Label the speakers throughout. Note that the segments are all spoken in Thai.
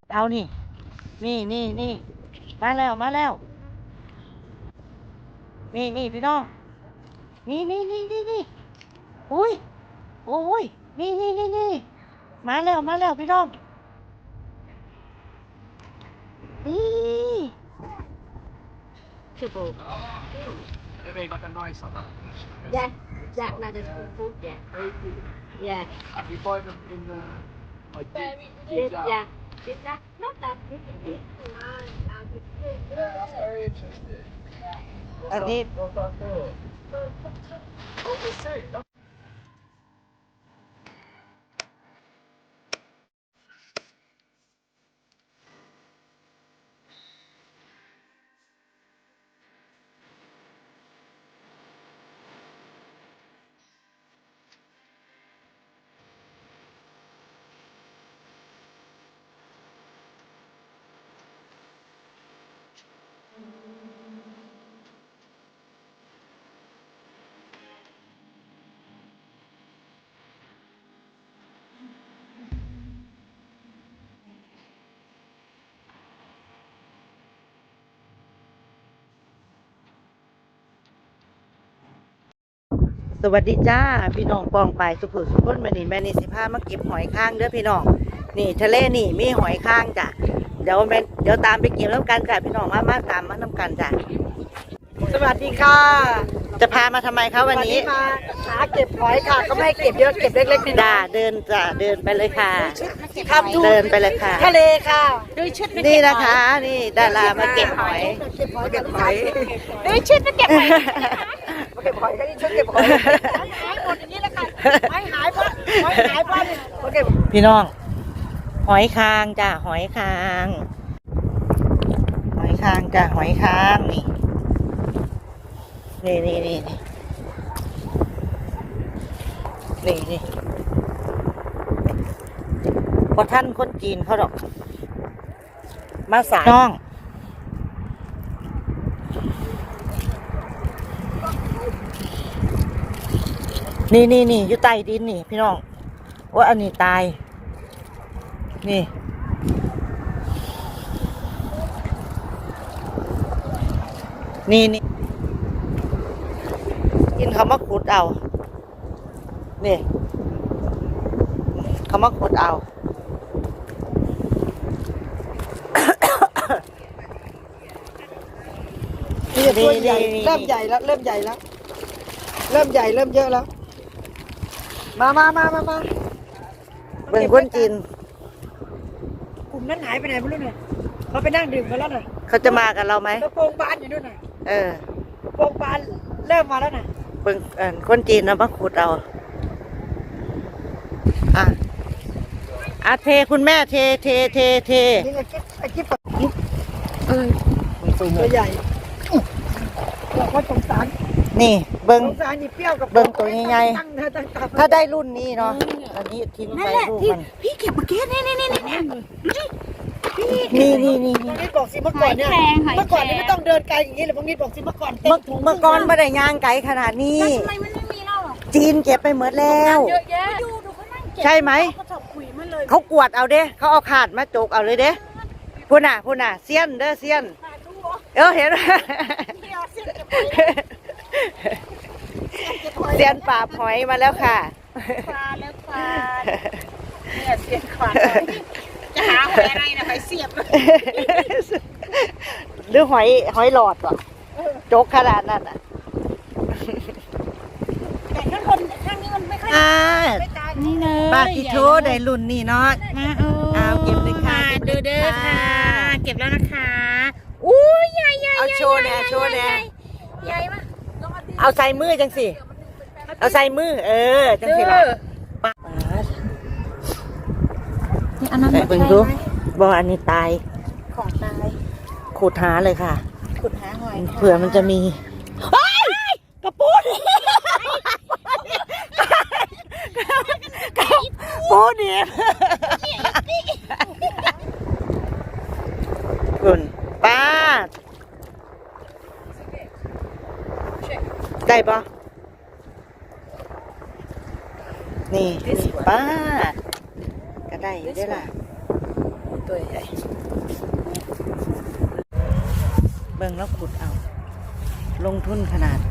Speaker 1: เอานี่นี่มาแล้วนี่พี่น้องนี่อุ้ยโอ้ยนี่มาแล้วพี่น้องนี่คือปู
Speaker 2: It made like a nice one.
Speaker 3: Yeah, Jack Madden food, yeah. Yeah.
Speaker 2: You find them in the like
Speaker 3: This, yeah. This, not that big.
Speaker 2: That's very interesting.
Speaker 1: อันนี้
Speaker 2: What's that for? Oh, we see.
Speaker 1: สวัสดีจ้าพี่น้องปองไปสุขุสุขนมานี่แม่นี่สิพามาเก็บหอยข้างเด้อพี่น้องนี่ทะเลนี่มีหอยข้างจ้ะเดี๋ยวตามไปเก็บน้ำกันจ้ะพี่น้องมาตามมาน้ำกันจ้ะสวัสดีค่ะ จะพามาทำไมคะวันนี้
Speaker 3: มาหาเก็บหอยค่ะ ก็ไม่ให้เก็บเยอะเก็บเล็กๆน้อย
Speaker 1: จ้าเดินไปเลยค่ะ
Speaker 3: ๆครับดู
Speaker 1: เดินไปเลยค่ะ
Speaker 3: ทะเลค่ะดูชุด
Speaker 1: นี่นะคะนี่ดารามาเก็บหอย
Speaker 3: เก็บหอยดูชุดมาเก็บหอยมาเก็บหอยก็นี่ชุดเก็บหอยหายหมดอย่างนี้แล้วกันหายเพราะมาเก็บ
Speaker 1: พี่น้องหอยคางจ้ะหอยคาง จ้ะหอยคางนี่พอท่านคนจีนเขาดอกมาสายน้องนี่อยู่ใต้ดินนี่พี่น้องว่าอันนี้ตายนี่กินเขามาขุดเอานี่เขามาขุดเอา
Speaker 3: นี่ตัวใหญ่เริ่มใหญ่แล้วเริ่มเยอะแล้วมา
Speaker 1: เบิ่งคนจีน
Speaker 3: กลุ่มนั้นหายไปไหนไม่รู้เนี่ยเขาไปนั่งดื่มกันแล้วน่ะ
Speaker 1: เขาจะมากับเราไหม
Speaker 3: กระโปรงบานอยู่นู่นน่ะ
Speaker 1: เออก
Speaker 3: ระโปรงบานเริ่มมาแล้วน่ะ
Speaker 1: เบิ่งคนจีนเอามาขุดเอาเทคุณแม่เท
Speaker 3: นี่ไอ้กิ๊บตัวใหญ่บอกว่าสงสาร
Speaker 1: นี่เบิ่ง
Speaker 3: สงสารนี่เปรี้ยวกับ
Speaker 1: เบิ่งตัวใหญ่
Speaker 3: ๆ
Speaker 1: ถ้าได้รุ่นนี้เนาะอันนี้ทิ้งไปลูกมัน
Speaker 3: พี่เก็บเมื่อกี้นี่
Speaker 1: นี่
Speaker 3: ตรงนี้บอกสิเมื่อก่อนเนี่ยเมื่อก่อนนี่ไม่ต้องเดินไกลอย่างนี้เลยบางทีบอกสิเมื่อก่อนเต็มถุง
Speaker 1: เมื่อก่อนไม่ได้ย่างไกลขนาดนี้
Speaker 3: ทำไมมันไม่มีเล่าอ่ะ
Speaker 1: จีนเก็บไปหมดแล้ว
Speaker 3: เยอะแยะดูเขานั่งเก็บ
Speaker 1: ใช่ไหม
Speaker 3: เขาจับขุยมันเลย
Speaker 1: เขากวดเอาเด้เขาเอาขาดมาจกเอาเลยเด้พูน่ะเซียนเด้อเซียนเห็นไหมเซียนปราบหอยมาแล้วค่ะ
Speaker 3: ปลาแล้วปลาเนี่ยเสียบขวานจะหาหอยอะไรนะหอยเสียบ
Speaker 1: หรือหอยหลอดอ่ะจกขนาดนั้นอ่ะ
Speaker 3: แต่ข้างนี้มันไม่ค่อยไม่ตายนี่เลย
Speaker 1: ปาติโทได้รุ่นนี่เนาะเอาเก็บเลยค่ะ
Speaker 3: ดูเด้อค่ะเก็บแล้วนะคะอู้ใหญ่
Speaker 1: เอาโชว์เนี่ย
Speaker 3: ใหญ่มาก
Speaker 1: เอาใส่มือจังสิเอาใส่มือจังสิล่ะ
Speaker 3: อันนั้น
Speaker 1: เบิ่งดูบ่อันนี้ตาย
Speaker 3: ของตาย
Speaker 1: ขุดหาเลยค่ะ
Speaker 3: ขุดหาหอย
Speaker 1: เผื่อมันจะมีกระปุกปูดิบคุณป้าได้ปะนี่ป้าก็ได้ได้ล่ะ
Speaker 3: ตัวใหญ่
Speaker 1: เบิ่งแล้วขุดเอา ลงทุนขนาด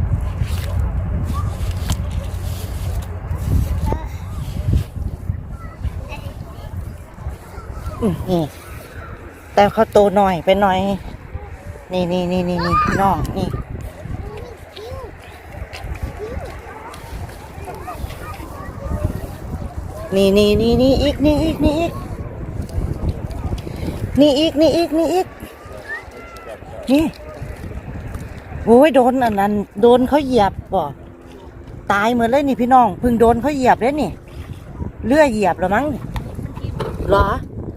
Speaker 1: นี่แต่เขาโตหน่อยไปหน่อย นี่พี่น้องนี่อีกนี่อีกนี่โอ้ยโดนอันนั้นโดนเขาเหยียบบ่ตายเหมือนเลยนี่พี่น้องเพิ่งโดนเขาเหยียบเลยนี่เลื่อยเหยียบแล้วมั้งเหรอ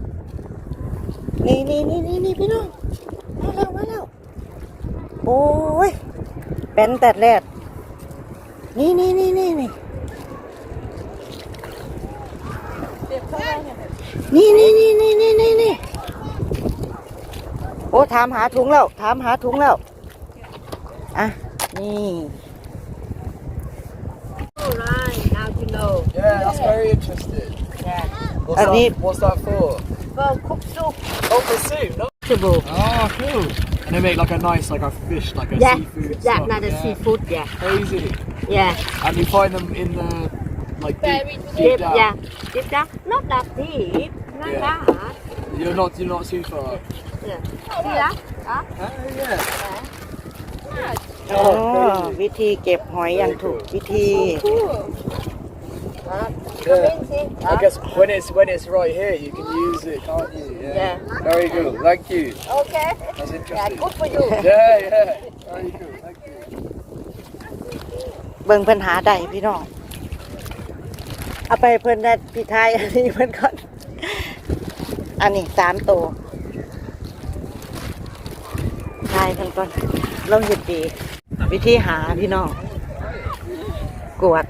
Speaker 1: นี่พี่น้องมาแล้วโอ้ยเป็นแต่แรกนี่โอ้ถามหาถุงแล้วอ่ะนี่
Speaker 3: Alright, now you know.
Speaker 2: Yeah, that's very interesting.
Speaker 3: Yeah.
Speaker 2: What's that for?
Speaker 3: For cook soup.
Speaker 2: Oh, for soup. No?
Speaker 3: Vegetable.
Speaker 2: Oh, cool. And they make like a nice, like a fish, like a
Speaker 3: Yeah,
Speaker 2: seafood.
Speaker 3: yeah,
Speaker 2: stuff.
Speaker 3: not a
Speaker 2: Yeah.
Speaker 3: seafood. Yeah,
Speaker 2: Crazy.
Speaker 3: yeah.
Speaker 2: And you find them in the like deep
Speaker 3: Deep,
Speaker 2: down.
Speaker 3: yeah. Deep down. Not that deep. Not
Speaker 2: Yeah.
Speaker 3: that.
Speaker 2: You're not too far.
Speaker 3: Yeah. See that? Đó.
Speaker 2: Oh yeah.
Speaker 1: อ๋อวิธีเก็บหอยอย่างถูกวิธี
Speaker 3: Đó.
Speaker 2: Yeah.
Speaker 3: Come in, see.
Speaker 2: I
Speaker 3: Đó.
Speaker 2: guess when it's right here, you can use it, can't you?
Speaker 3: Yeah.
Speaker 2: Very good. Thank you.
Speaker 3: Okay.
Speaker 2: That's
Speaker 3: Yeah,
Speaker 2: interesting.
Speaker 3: good for you.
Speaker 2: Yeah. Very good. Thank you.
Speaker 1: เบิ่งเพิ่นหาได้พี่น้องเอาไปเพิ่นได้พี่ไทยอันนี้เพิ่นก่อนอันนี้3ตัวทายเพิ่นก่อนลองหยุดดีวิธีหาพี่น้องกวด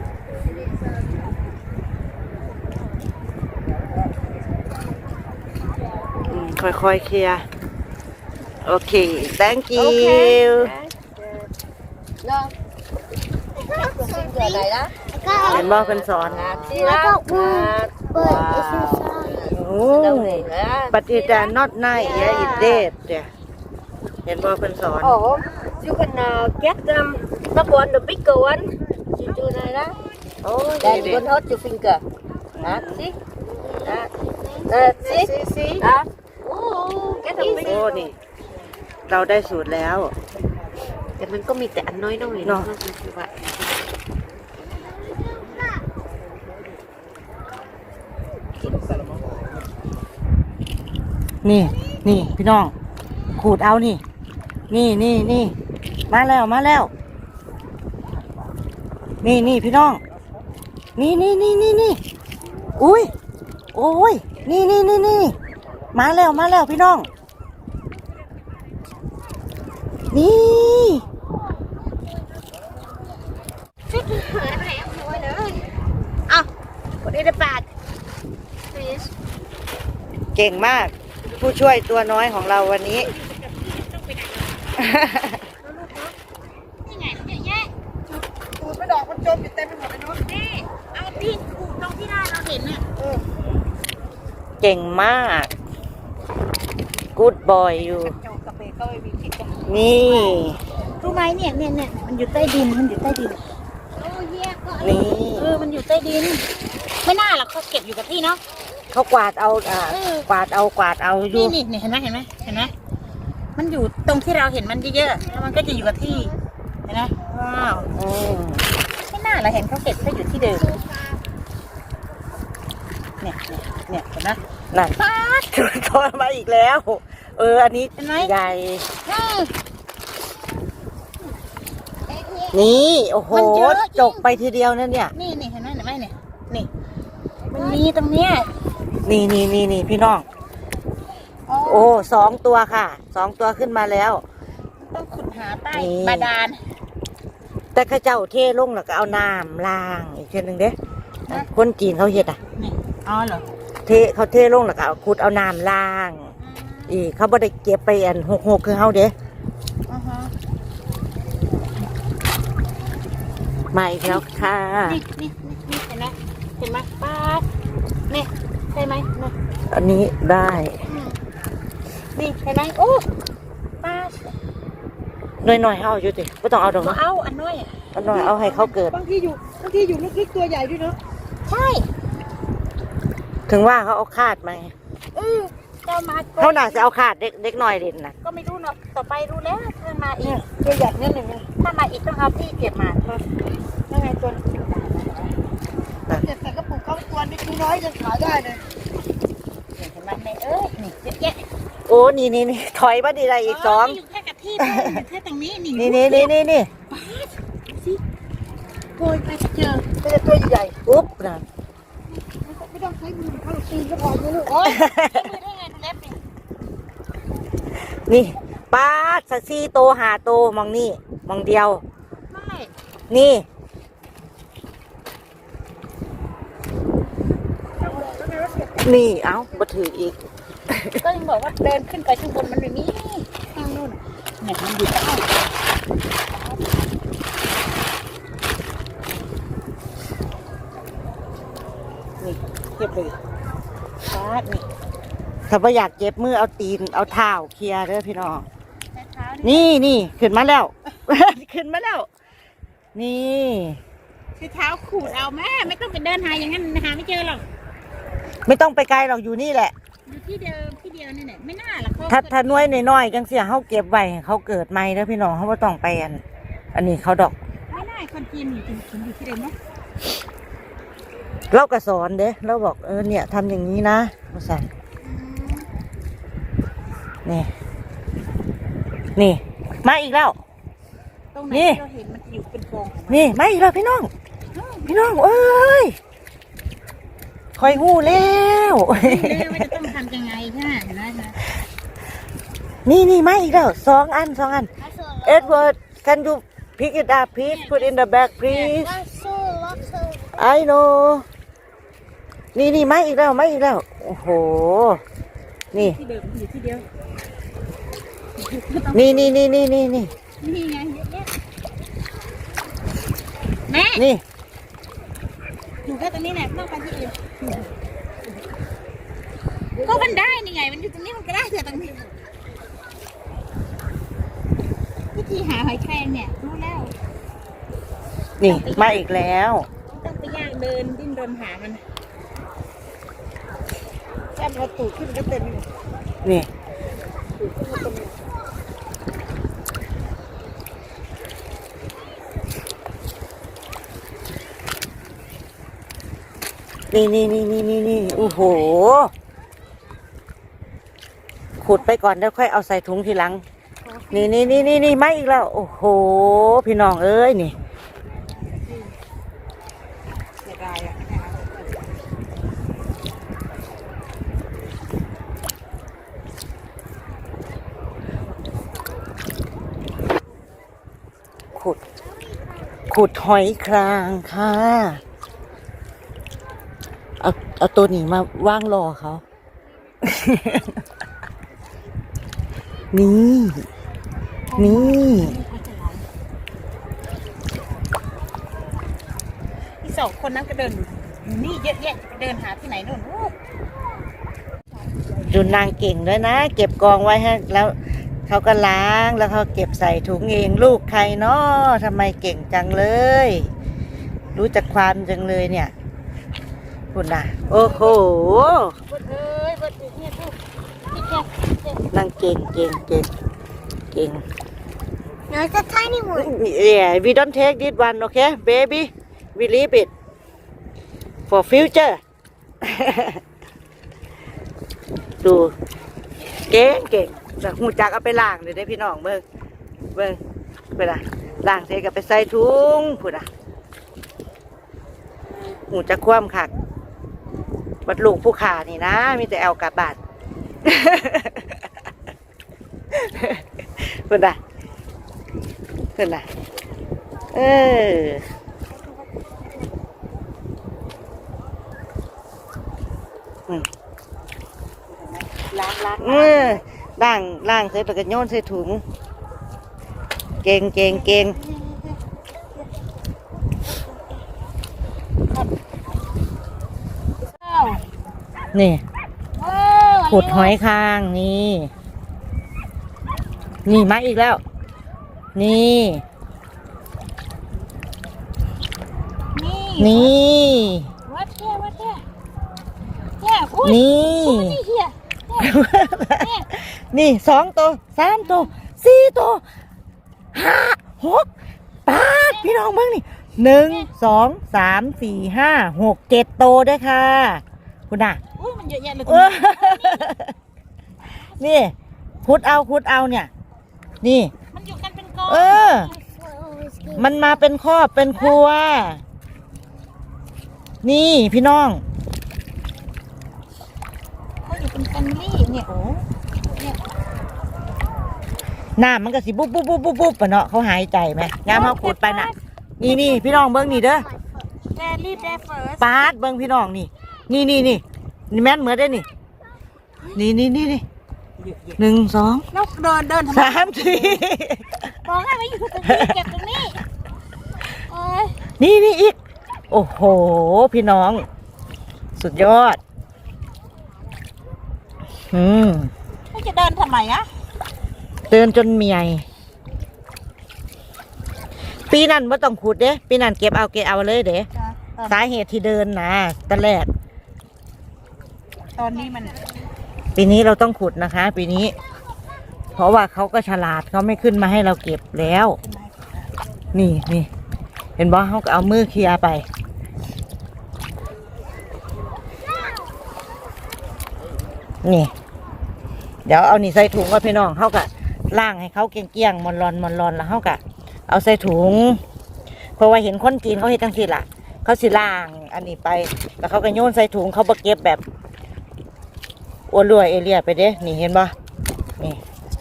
Speaker 1: ค่อยๆเคลียร์โอเค thank you
Speaker 3: Okay. No. Finger này đó.
Speaker 1: เห็นบ่เพิ่นสอน
Speaker 3: See that?
Speaker 4: But it's inside.
Speaker 1: โอ้
Speaker 3: Đâu này đó.
Speaker 1: but it not nice yeah it dead yeah เห็นบ่เพิ่นสอน
Speaker 3: Oh, you can get the one, the bigger one. You do này đó.
Speaker 1: โอ้ย
Speaker 3: Then
Speaker 1: ดี
Speaker 3: you can hold your finger. That, see? That, see? That. Oh, get the
Speaker 1: โอ้
Speaker 3: bigger.
Speaker 1: นี่ เราได้สูตรแล้ว
Speaker 3: แต่มันก็มีแต่อันน้อยๆ
Speaker 1: เนาะ
Speaker 3: คือว่า
Speaker 1: นี่พี่น้องขูดเอานี่มาแล้วนี่พี่น้องนี่อุ้ยโอ้ยนี่มาแล้วพี่น้องนี่
Speaker 3: Put it in the bag.
Speaker 1: เก่งมาก ผู้ช่วยตัวน้อยของเราวันนี้
Speaker 3: ขูดไปดอกมันจมอยู่เต็มไปหมดเลยเนาะนี่เอาที่ขูดตรงที่ได้เราเห็นน่ะ
Speaker 1: เก่งมาก good boy อยู่
Speaker 3: โจกระเบนก็ไม่มีผิดกัน
Speaker 1: นี่
Speaker 3: รู้ไหมเนี่ยมันอยู่ใต้ดิน
Speaker 1: นี่
Speaker 3: มันอยู่ใต้ดิน ไม่น่าหรอกเขาเก็บอยู่กับที่เนาะ
Speaker 1: เขากวาดเอากวาดเอาอยู่
Speaker 3: นี่เห็นไหมมันอยู่ตรงที่เราเห็นมันเยอะๆแล้วมันก็จะอยู่กับที่เห็นไหมว้าว
Speaker 1: อืม
Speaker 3: ไม่น่าเราเห็นเขาเก็บเขาอยู่ที่เดิมเนี่ยเห็นไหม
Speaker 1: นั่นจุดโทษมาอีกแล้ว อันนี้
Speaker 3: เห็นไหม
Speaker 1: ใหญ่ นี่โอ้โห
Speaker 3: มันเยอะจริง
Speaker 1: จกไปทีเดียวนั่นเนี่ย
Speaker 3: นี่เห็นไหมเนี่ยนี่มันมีตรงเนี้ย
Speaker 1: นี่พี่น้อง โอ้2 ตัวค่ะ2 ตัวขึ้นมาแล้ว
Speaker 3: ต้องขุดหาใต้
Speaker 1: นี่
Speaker 3: บาดาล
Speaker 1: แต่ข้าเจ้าเทลงแล้วก็เอาน้ำล้างอีกเช่นหนึ่งเด้คนจีนเขาเฮ็ดอ่ะ
Speaker 3: นี่อ๋อเหรอ
Speaker 1: เขาเทลงแล้วก็เอาขุดเอาน้ำล้าง อีกเขาบ่ได้เก็บไปอันหกคือเฮาเด้
Speaker 3: อ่าฮะ
Speaker 1: มาอีกแล้วค่ะ
Speaker 3: นี่เห็นไหมป้าดนี่ใช่ไหมนี่
Speaker 1: อันนี้ได้
Speaker 3: นี่เห็นไหมโอ้ป้า
Speaker 1: หน่อยๆเอาอยู่ติไม่ต้องเอาดอก
Speaker 3: ก็
Speaker 1: เนาะ
Speaker 3: เอาอันน้อยอ่ะ
Speaker 1: เอาหน่อยเอาให้เขาเกิด
Speaker 3: บางทีอยู่ลึกๆตัวใหญ่ด้วยเนาะใช่
Speaker 1: ถึงว่าเขาเอาคาดมาไง
Speaker 3: จะมา
Speaker 1: เขาน่าจะเอาคาดเด็กหน่อยเด่นนะ
Speaker 3: ก็ไม่รู้เนาะต่อไปรู้แล้วถ้ามาอี
Speaker 1: เนี่ย
Speaker 3: ก
Speaker 1: ตัวใหญ่เนี่ยหนึ่ง
Speaker 3: ถ้ามาอีกต้องเอาที่เก็บมายังไงตัวเก็บใส่กระปุกเขาตัวนี้ตัวน้อยยังขายได้เลยเห็นไหมนี่นี่เยอะแยะ
Speaker 1: โอ้นี่ถอยมาดีได้อีกสอง
Speaker 3: อยู่แค่กับที่อยู่แค่ตรงนี้นี่
Speaker 1: นี่
Speaker 3: โกยไปเจอเป็นตัวใหญ่
Speaker 1: อุ๊บนั่น
Speaker 3: ไม่ต้องใช้มือเข้าตีนก็พอนะลูกโอ้ยใช้มือได้ไงดูเล็บนี่
Speaker 1: นี่ป้าสักซี่โตหาโตมองนี่มองเดียว
Speaker 3: ไม่
Speaker 1: นี่ นี่เอ้ามาถืออีก
Speaker 3: ก็ยังบอกว่าเดินขึ้นไปข้างบนมันไม่มีข้างนู่นเนี่ยมันอยู่ใต้
Speaker 1: นี่เก็บเลย
Speaker 3: ฟ้านี่
Speaker 1: ถ้าว่าอยากเจ็บมือเอาตีนเอาเท้าเคลียร์เด้อพี่น้อง
Speaker 3: เท้า
Speaker 1: นี่ขึ้นมาแล้ว ขึ้นมาแล้ว นี่
Speaker 3: คือเท้าขูดเอาแม่ไม่ต้องไปเดินหาอย่างนั้นหาไม่เจอหรอก
Speaker 1: ไม่ต้องไปไกลหรอกอยู่นี่แหละ
Speaker 3: อยู่ที่เดิมที่เดียวนี่แหละไม่น่าหรอก
Speaker 1: ถ้าน้อยน้อยๆจังเสียเขาเก็บไว้ให้เขาเกิดใหม่เด้อพี่น้องเขาไม่ต้องไปอันนี้เขาดอก
Speaker 3: ไม่น่าคนจีนอยู่อยู่ที่เดิมเนาะ
Speaker 1: เราก็สอนเด้เราบอกเนี่ยทำอย่างนี้นะมาสั่นนี่มาอีกแล้ว
Speaker 3: ตรงไหน
Speaker 1: นี่
Speaker 3: เราเห็นมันอยู่เป็นกองของมัน
Speaker 1: นี่มาอีกแล้วพี่น้องเอ้ยคอยหู้แล้ว
Speaker 3: เรื่องว่าจะต้องทำยังไงใช่ไหมเห็นไหมนะ
Speaker 1: นี่มาอีกแล้วสองอันEdward can you pick it up please put in the bag please I know นี่มาอีกแล้วโอ้โหนี่
Speaker 3: ที่เดิมอยู่ที่เดียว
Speaker 1: นี่
Speaker 3: นี่ไงเยอะแยะแม่
Speaker 1: นี่
Speaker 3: อยู่แค่ตรงนี้แหละไม่ต้องไปที่อื่นก็มันได้นี่ไงมันอยู่ตรงนี้มันก็ได้แต่ตรงนี้วิธีหาหอยแครงเนี่ยรู้แล้ว
Speaker 1: นี่มาอีกแล้ว
Speaker 3: ต้องไปย่างเดินดิ้นรนหามันแค่พอตูดขึ้นก็เต็ม
Speaker 1: นี่นี่โอ้โหขุดไปก่อนแล้วค่อยเอาใส่ถุงทีหลังนี่มาอีกแล้วโอ้โหพี่น้องเอ้ยนี่
Speaker 3: เสียดายอ่ะ
Speaker 1: ขุดหอยครางค่ะเอาตัวนี้มาว่างรอเขา นี่
Speaker 3: ที่สองคนนั้นก็เดินนี่เยอะแยะเดินหาที่ไหนนู่น
Speaker 1: ดูนางเก่งด้วยนะเก็บกองไว้ให้แล้วเขาก็ล้างแล้วเขาเก็บใส่ถุงเองลูกใครเนาะทำไมเก่งจังเลย รู้จักความจังเลยเนี่ยคุณน่ะโอ้โห
Speaker 3: บดเอ้ยบดอยู่เนี่ยทุกที่แค่
Speaker 1: นางเก่ง
Speaker 4: No, it's a tiny one.
Speaker 1: Yeah, we don't take this one, okay, baby. We leave it for future. ดูเก่งจากหูจักเอาไปล้างเลยได้พี่น้องเบิ่งไปละล้างเสร็จก็ไปใส่ถุงพูดอ่ะหูจักคว่ำขัดบัดลูกผู้ขานี่นะมีแต่เอากลับบ้าน พูดอ่ะ
Speaker 3: ล้าง
Speaker 1: ล่างเสร็จแล้วก็โยนใส่ถุงเก่งนี่
Speaker 3: ว้า
Speaker 1: ขุดหอยคางนี่ นี่มาอีกแล้ว นี่
Speaker 3: นี่
Speaker 1: นี่
Speaker 3: วัดแค่เนี่ยอุ้ย
Speaker 1: นี่
Speaker 3: นี่เฮีย
Speaker 1: นี่2 ตัว 3 ตัว 4 ตัว 5 6 8พี่น้องเบิ่งนี่1 2 3 4 5 6 7 ตัวด้วยค่ะ คุณน่ะ
Speaker 3: อุ้ยมันเยอะแยะเลย
Speaker 1: เออนี่ขุดเอาเนี่ย นี่
Speaker 3: มันอยู่กันเป็นกอง
Speaker 1: เออ มันมาเป็นครอบเป็นครัว นี่พี่น้อง
Speaker 3: เขาอยู่เป็นแฟมิลี่เนี่ยโอ้เนี่ย
Speaker 1: น้ำมันก็สิบุ๊บบุ๊บบุ๊บบุ๊บบุ๊บปะเนาะเขาหายใจไหมยามเขาขุดไปน่ะ นี่พี่น้องเบิ้งนี่เด้อ
Speaker 3: แดรี่แดเฟิร์ส
Speaker 1: ปาดเบิ้งพี่น้องนี่นี่แม่นเหมือนได้นี่นี่1 2
Speaker 3: แล้วเดินทำไม
Speaker 1: 3 4
Speaker 3: บอกให้มาอยู่ตรงนี้เก็บตรงนี้โอ้ย
Speaker 1: นี่อีก โอ้โห พี่น้อง สุดยอด
Speaker 3: ไม่จะเดินทำไมอะ
Speaker 1: เดินจนเมียปีนั้นไม่ต้องขุดเด้ปีนั้นเก็บเอาเลยเด้สาเหตุที่เดินนะตอนแรก
Speaker 3: ตอนนี้มัน
Speaker 1: ปีนี้เราต้องขุดนะคะ ปีนี้ เพราะว่าเขาก็ฉลาดเขาไม่ขึ้นมาให้เราเก็บแล้ว นี่เห็นบ่เขาก็เอามือเคลียร์ไป นี่ เดี๋ยวเอานี่ใส่ถุงกับพี่น้องเขาก็ล่างให้เขาเกลี้ยงๆมอนรอนแล้วเขาก็เอาใส่ถุง เพราะว่าเห็นคนจีนเขาเห็นจังสิล่ะเขาสิล่างอันนี้ไปแล้วเขาก็โยนใส่ถุงเขาบ่เก็บแบบอ้วนรวยเอเลียไปเด้นี่เห็นบ่นี่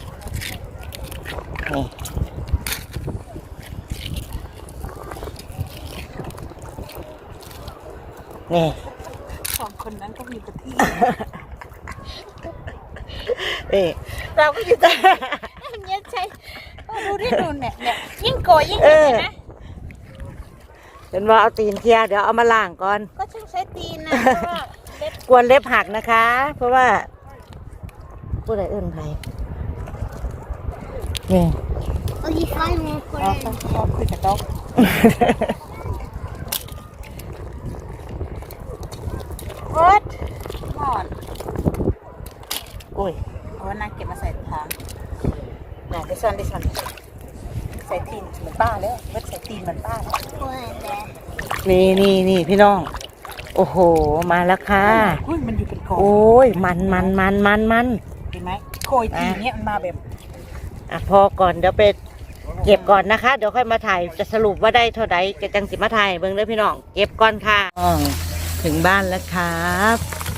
Speaker 1: นี่
Speaker 3: สองคนนั้นก็มีกับที่
Speaker 1: เราก็อยู่แต่
Speaker 3: เนี่ยใช่ดูดิดูเนี่ยยิ่งโกยยิ่งเห็นนะ
Speaker 1: เห็นว่าเอาตีนเคลียร์เดี๋ยวเอามาล้างก่อน
Speaker 3: ก็ช่างใช้ตีนนะเพราะว่าเล็บ
Speaker 1: กวนเล็บหักนะคะ เพราะว่าผู้ใดเอื้นใครนี่
Speaker 4: Oh, you find more for
Speaker 3: พอคุยกับต๊อกโอ๊ตหมอน
Speaker 1: โอ้ย
Speaker 3: เอานางเก็บมาใส่ทางไหนดิฉันใส่ตีนเหมือนป้าเลยเว็ดใส่ตีนเหมือนป้า
Speaker 1: นี่พี่น้อง โอ้โห มาแล้วค่ะ
Speaker 3: อุ้ยมันอยู่เป็นกอง
Speaker 1: โอ้ยมัน
Speaker 3: เห็นไหมโกยตีนเนี่ยมันมาแบบ
Speaker 1: อ่ะพอก่อนเดี๋ยวไปเก็บก่อนนะคะ เดี๋ยวค่อยมาถ่ายจะสรุปว่าได้เท่าใดจะจังสิมาถ่ายเบิ่งเด้อพี่น้อง เก็บก่อนค่ะถึงบ้านแล้วครับ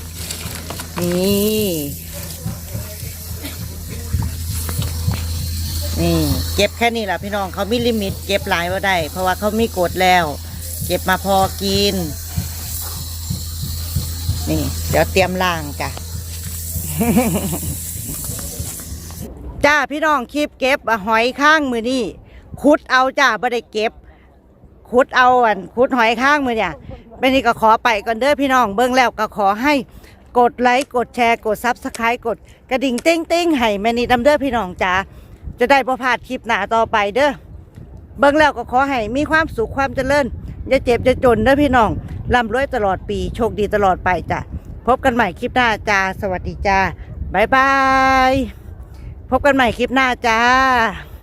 Speaker 1: นี่เก็บแค่นี้แหละพี่น้องเขามีลิมิตเก็บหลายว่าได้ เพราะว่าเขามีกฎแล้ว เก็บมาพอกิน นี่ เดี๋ยวเตรียมล้างจ้ะ จ้าพี่น้องคลิปเก็บหอยข้างมือนี่ขุดเอาจ้าไม่ได้เก็บขุดเอาขุดหอยข้างมือเนี่ยเป็นนี่ก็ขอไปก่อนเด้อพี่น้องเบิ่งแล้วก็ขอให้กดไลค์กดแชร์กดซับสไครต์กดกระดิ่งเต้งให้แม่นี่ดำเด้อพี่น้องจ้าจะได้บ่พลาดคลิปหน้าต่อไปเด้อเบิ่งแล้วก็ขอให้มีความสุขความเจริญอย่าเจ็บอย่าจนเด้อพี่น้องร่ำรวยตลอดปีโชคดีตลอดไปจ้ะพบกันใหม่คลิปหน้าจ้าสวัสดีจ้าบ๊ายบายพบกันใหม่คลิปหน้าจ้า